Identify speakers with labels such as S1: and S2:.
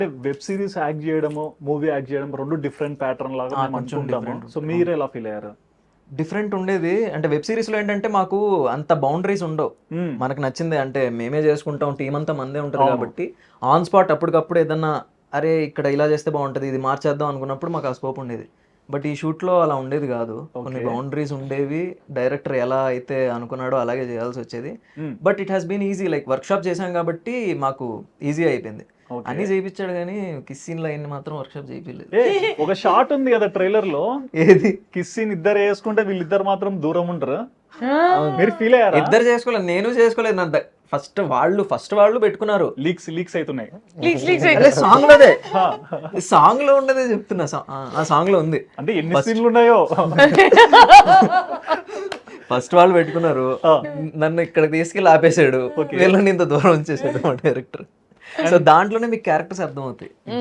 S1: Web series act చేయడము movie act చేయడం రెండు డిఫరెంట్ ప్యాటర్న్ లాగా మేము
S2: కొంచెం
S1: అనుకుంటాము.
S2: different
S1: సో మీరు ఎలా ఫీల్ అయ్యారు?
S2: డిఫరెంట్ ఉండేది. అంటే వెబ్ సిరీస్లో ఏంటంటే మాకు అంత బౌండరీస్ ఉండవు. మనకు నచ్చింది అంటే మేమే చేసుకుంటాం, టీం అంతా మందే ఉంటుంది కాబట్టి ఆన్ స్పాట్ అప్పటికప్పుడు ఏదన్నా అరే ఇక్కడ ఇలా చేస్తే బాగుంటుంది, ఇది మార్చేద్దాం అనుకున్నప్పుడు మాకు ఆ స్కోప్ ఉండేది. బట్ ఈ షూట్లో అలా ఉండేది కాదు. కొన్ని బౌండరీస్ ఉండేవి. డైరెక్టర్ ఎలా అయితే అనుకున్నాడో అలాగే చేయాల్సి వచ్చేది. But it has been easy. Like workshop చేసాం కాబట్టి మాకు ఈజీ అయిపోయింది. అన్ని చేయించాడు కానీ కిస్ సీన్ లైన్ మాత్రం వర్క్షాప్ చేయించలేదు.
S1: ఒక షాట్ ఉంది కదా ట్రైలర్ లో,
S2: ఏది
S1: కిస్ సీన్ ఇద్దరు వేసుకుంటే వీళ్ళిద్దరు మాత్రం దూరం ఉంటారు. మీరు ఫీల్ అయ్యారా?
S2: ఇద్దరు చేసుకోలేదు, నేను చేసుకోలేదు. నా ఫస్ట్ వాళ్ళు పెట్టుకున్నారు.
S1: లీక్స్ అవుతున్నాయి.
S2: సాంగ్ లోదే, సాంగ్ లో ఉండదే చెప్తున్నా. ఆ సాంగ్ లో ఉంది.
S1: అంటే ఎన్ని సీన్లు ఉన్నాయో.
S2: ఫస్ట్ వాళ్ళు పెట్టుకున్నారు, నన్ను ఇక్కడ తీసుకెళ్ళి ఆపేశాడు, వీళ్ళని ఇంత దూరం ఉంచేసాడు మా డైరెక్టర్. సో దాంట్లోనే మీకు క్యారెక్టర్స్ అర్థమవుతాయి.